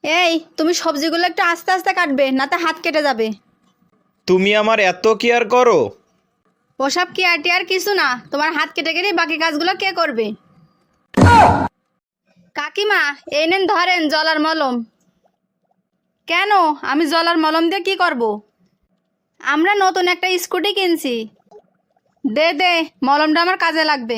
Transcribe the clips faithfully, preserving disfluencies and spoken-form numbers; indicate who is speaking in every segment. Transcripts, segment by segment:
Speaker 1: এই তুমি সবজিগুলো একটু আস্তে আস্তে কাটবে, না তো হাত কেটে যাবে।
Speaker 2: তুমি আমার এত কেয়ার করো?
Speaker 1: ওসব কি আর টিয়ার কিছু না, তোমার হাত কেটে গেলে বাকি কাজগুলো কে করবে? কাকিমা, এই নেন ধরেন জলার মলম। কেন, আমি জলার মলম দিয়ে কি করব? আমরা নতুন একটা স্কুটি কিনছি। দে দে, মলমটা আমার কাজে লাগবে।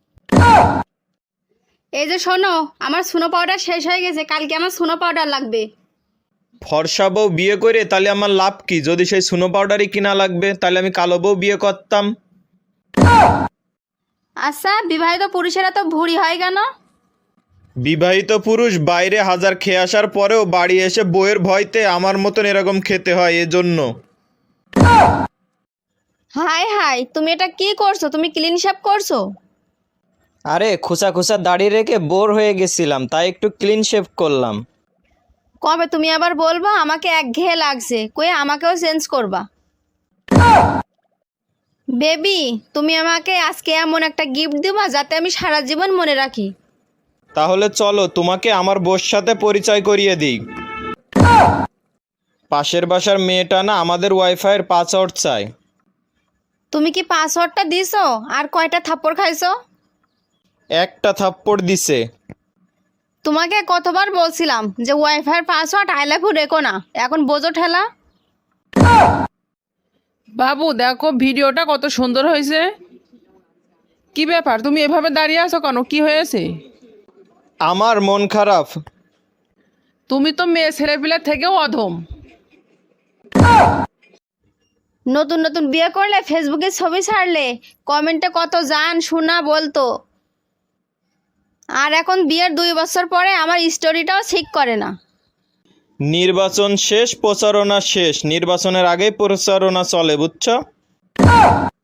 Speaker 1: এই যে শোনো, আমার সুনো পাউডার শেষ হয়ে গেছে, কালকে আমার সুনো পাউডার লাগবে।
Speaker 2: ফর্সা বউ বিয়ে করে তাহলে আমার লাভ কি? যদি সেই সুনো পাউডারই কিনা লাগবে তাহলে আমি কালো বউ বিয়ে করতাম।
Speaker 1: আচ্ছা, বিবাহিত পুরুষেরা তো ভুঁড়ি হয় কেন?
Speaker 2: বিবাহিত পুরুষ বাইরে হাজার খেয়ে আসার পরেও বাড়ি এসে বউয়ের ভয়তে আমার মতন এরকম খেতে হয়, এজন্য।
Speaker 1: হাই হাই, তুমি এটা কি করছো? তুমি ক্লিন শেভ করছো?
Speaker 2: আরে খোসা খোসা দাড়ি রেখে বোর হয়ে গেছিলাম, তাই একটু ক্লিন শেভ করলাম।
Speaker 1: কবে তুমি আবার বলবা আমাকে একঘেয়ে লাগছে, কই আমাকেও চেঞ্জ করবা। বেবি, তুমি আমাকে আজকে এমন একটা গিফট দিবা যাতে আমি সারা জীবন মনে রাখি।
Speaker 2: তাহলে চলো তোমাকে আমার বউর সাথে পরিচয় করিয়ে দিই। পাশের বাসার মেয়েটা না আমাদের ওয়াইফাইয়ের পাসওয়ার্ড চায়।
Speaker 1: তুমি কি পাসওয়ার্ডটা দিছো? আর কয়টা থাপ্পড় খাইছো?
Speaker 2: একটা থাপ্পড় দিছে।
Speaker 1: তোমাকে কতবার বলছিলাম যে ওয়াইফাইয়ের পাসওয়ার্ড আই লাভ ইউ রেখো না, এখন বোঝো ঠেলা।
Speaker 3: বাবু দেখো ভিডিওটা কত সুন্দর হয়েছে। কি ব্যাপার, তুমি এভাবে দাঁড়িয়ে আছো কেন? কি হয়েছে?
Speaker 2: আমার মন খারাপ।
Speaker 3: তুমি তো মেয়ে ছেলেপিলের থেকেও অধম।
Speaker 1: নতুন নতুন বিয়ে করলে ফেসবুকে ছবি ছাড়লে কমেন্টে কত জান শোনা বলতো, আর এখন বিয়ের দুই বছর পরে আমার স্টোরিটাও ঠিক করে না।
Speaker 2: নির্বাচন শেষ, প্রচারণা শেষ। নির্বাচনের আগেই প্রচারণা চলে, বুঝছো?